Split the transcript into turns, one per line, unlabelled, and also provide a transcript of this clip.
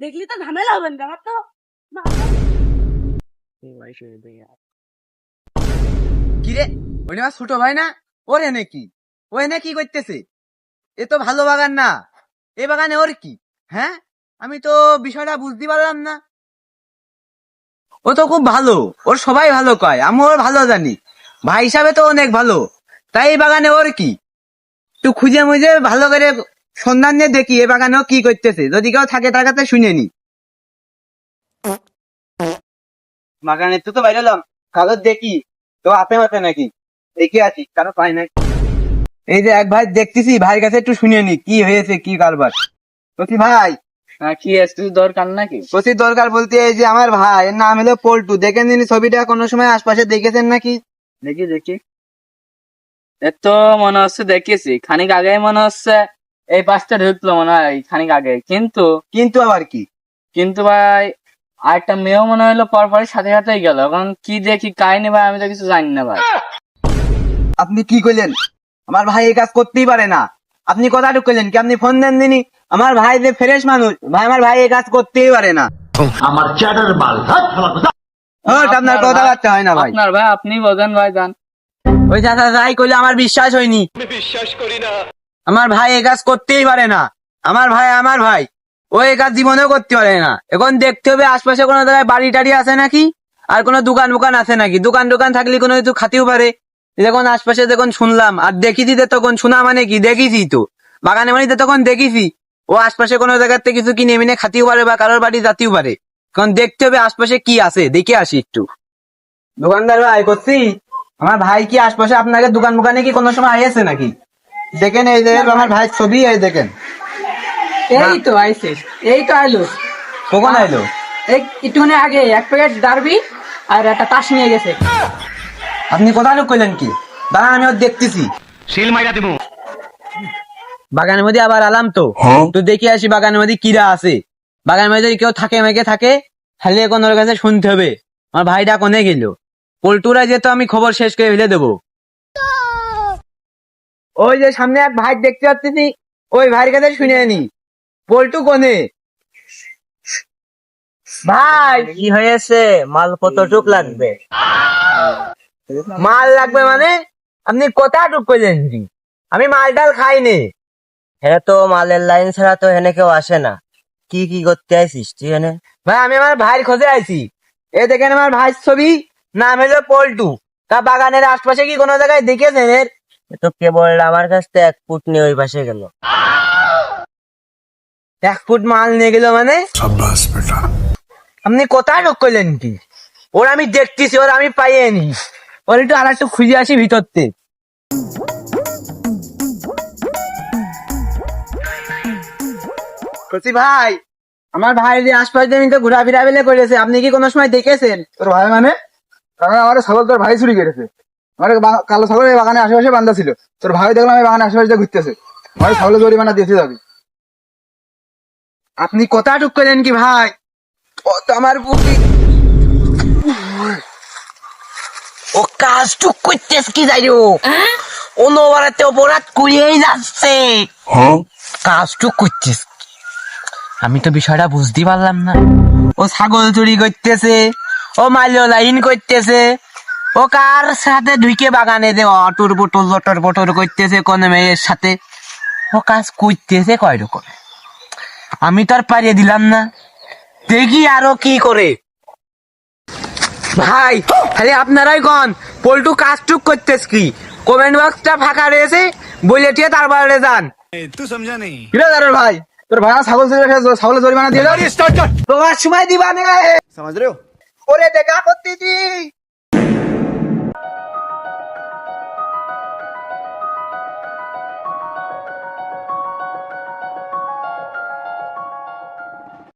দেখলি তো ঝামেলা হবে না আমার তো
কিরে ওই আমার ছোট ভাই না? ওর এনে কি? ও এনে কি করতেছে? এ তো ভালো বাগান না, এ বাগানে ওর কি? হ্যাঁ, আমি তো বিষয়টা বুঝতে পারলাম না। ও তো খুব ভালো, ওর সবাই ভালো কয়, আমি ওর ভালো জানি, ভাই হিসাবে তো অনেক ভালো। তাই এই বাগানে ওর কি? একটু খুঁজে মুজে ভালো করে সন্ধান নিয়ে দেখি এ বাগানে ও কি করতেছে, যদি কেউ থাকে তার কাছে শুনে নি। বাগানে তো বাইরে এলাম, কাগজ দেখি তো হাতে মাতে নাকি, দেখে আছি কারো পাই নাই। এই যে এক ভাই দেখতেছি, ভাইয়ের কাছে একটু শুনে নি কি হয়েছে, কি কারবার। বলছি ভাই,
কি একটু দরকার নাকি?
বলছি দরকার বলতে এই যে আমার ভাই, এর নাম হলো পল্টু, দেখেন তিনি ছবিটা কোনো সময় আশপাশে দেখেছেন নাকি?
দেখি দেখি, এর তো মনে হচ্ছে দেখেছি, খানিক আগে মনে হচ্ছে এই পাঁচটা ঢুকলো মনে হয় খানিক আগে, কিন্তু
কিন্তু আবার কি?
কিন্তু ভাই আরেকটা মেয়েও মনে হলো পরপরই সাথে সাথেই গেল। এখন কি দেখি কাহিনী ভাই আমি তো কিছু জানি না ভাই।
আপনি কি করলেন? আমার ভাই এই কাজ করতেই পারে না। আপনি কথাটুকু করলেন কি? আপনি ফোন দেন দিনি? আমার ভাই যে ফ্রেশ মানুষ, ভাই আমার ভাই এই কাজ করতেই পারে না।
আমার চ্যাটার বাল
আপনার কথাবার্তা হয় না ভাই।
আপনার ভাই আপনি বোঝেন ভাই, জান
ওই চাচা যাই করলে আমার বিশ্বাস হয়নি, বিশ্বাস করি না। আমার ভাই এই কাজ করতেই পারে না। আমার ভাই ও এই কাজ জীবনেও করতে পারে না। এখন দেখতে হবে আশপাশে কোনো জায়গায় বাড়ি টাড়ি আছে নাকি, আর কোনো দোকান আছে নাকি। দোকান থাকলে কোনো কিছু খাতেও পারে। যখন আশপাশে যখন শুনলাম আর দেখিছি, তখন শোনা মানে কি, দেখেছি তো বাগানে মানে তখন দেখেছি ও আশপাশে কোনো জায়গাতে কিছু কিনে মিনে খাতেও পারে বা কারোর বাড়ি যাতেও পারে। এখন দেখতে হবে আশপাশে কি আছে, দেখে আসি একটু। দোকানদার ভাই করছি, আমার ভাই কি আশপাশে আপনাকে দোকানে কি কোনো সময় আইছে নাকি? দেখেন এই যে আমার ভাই ছবি, এই দেখেন।
এই তো আইছে, এই তো আইলো।
কখন আইলো?
এই একটুখানি আগে এক প্যাকেট ডারবি আর একটা তাস নিয়ে গেছে।
আপনি কোথায় লোক করলেন কি? দাঁড়ান আমি ওর দেখতেছি।
শিল মাইরা দিমু।
বাগানের মধ্যে আবার আলাম তো, তো দেখে আসি বাগানের মধ্যে কিরা আছে। বাগানের মধ্যে যদি কেউ থাকে মেঘে থাকে, তাহলে এখন ওর কাছে শুনতে হবে আমার ভাইটা কোনে গেল। পল্টুরা যেত আমি খবর শেষ করে ফেলে দেবো। ওই যে সামনে এক ভাই দেখতে পাচ্ছি, ওই ভাইয়ের কাছে শুনে নি পল্টু কোনে। ভাই
কি হয়েছে? মাল কতটুক লাগবে?
মাল লাগবে মানে? আপনি কতটুক করলেন? আমি মাল ডাল খাইনি।
হ্যাঁ, তো মালের লাইন ছাড়া তো এখানে কেউ আসে না। কি কি করতে আইছিস তুই এখানে?
ভাই আমি আমার ভাইয়ের খোঁজে আইছি। এ দেখেন আমার ভাইয়ের ছবি, নাম হলো পল্টু। তা বাগানের আশপাশে কি কোনো জায়গায় দেখেছেন এর?
এ তো কেবল আমার কাছ থেকে 1 ফুট নিয়ে ওই পাশে গেল।
1 ফুট মাল নিয়ে গেল মানে? আপনি কোথায় ঢোক করলেন কি? ওর আমি দেখতেছি, ওর আমি পাইনি। ওর একটু আর একটু খুঁজে আসি ভিতরতে। বলছি ভাই, আমার ভাই যে আশপাশ দিয়ে তো ঘোরাফেরা বেলে করেছে, আপনি কি কোনো সময় দেখেছেন?
তোর ভাই মানে? কারণ আমার ছাগল তোর ভাই চুরি করেছে। আমার কালো ছাগল এই বাগানে আশেপাশে বান্ধা ছিল, তোর ভাই দেখলাম এই বাগানে আশেপাশে ঘুরতেছে। আমার ছাগলের জরিমানা দিতে যাবি।
আপনি কোথা টুক করলেন কি ভাই? ও তো আমার বুকি, ও কাজ টুক করতেছ কি যাই অনবরাতে অপরাধ করিয়েই যাচ্ছে। কাজ টুক করতেছ, আমি তো বিষয়টা বুঝতে পারলাম না। ও ছাগল চুরি করতেছে, ও মালিও লাইন করতেছে, ও কার সাথে ঢুকে বাগানে যে অটর পটর করতেছে কোন মেয়ের সাথে। ও কাজ করতেছে কয় রকম, আমি তো আর পারিয়ে দিলাম না। দেখি আরো কি করে। ভাই খালি আপনারাই কন পল্টু কাজ টুক করতেছ কি? কমেন্ট বক্সটা ফাঁকা রয়েছে, বলে টিয়ে তারপরে যান।
তুই সমঝা নেই।
ভাই তোর ভাই ছাগল চুরি করেছে, ছাগলের জরিমানা দিয়ে দাও।
তোমার সময় দিবা না,
সমাজ রে
ওরে দেখা করতেছি।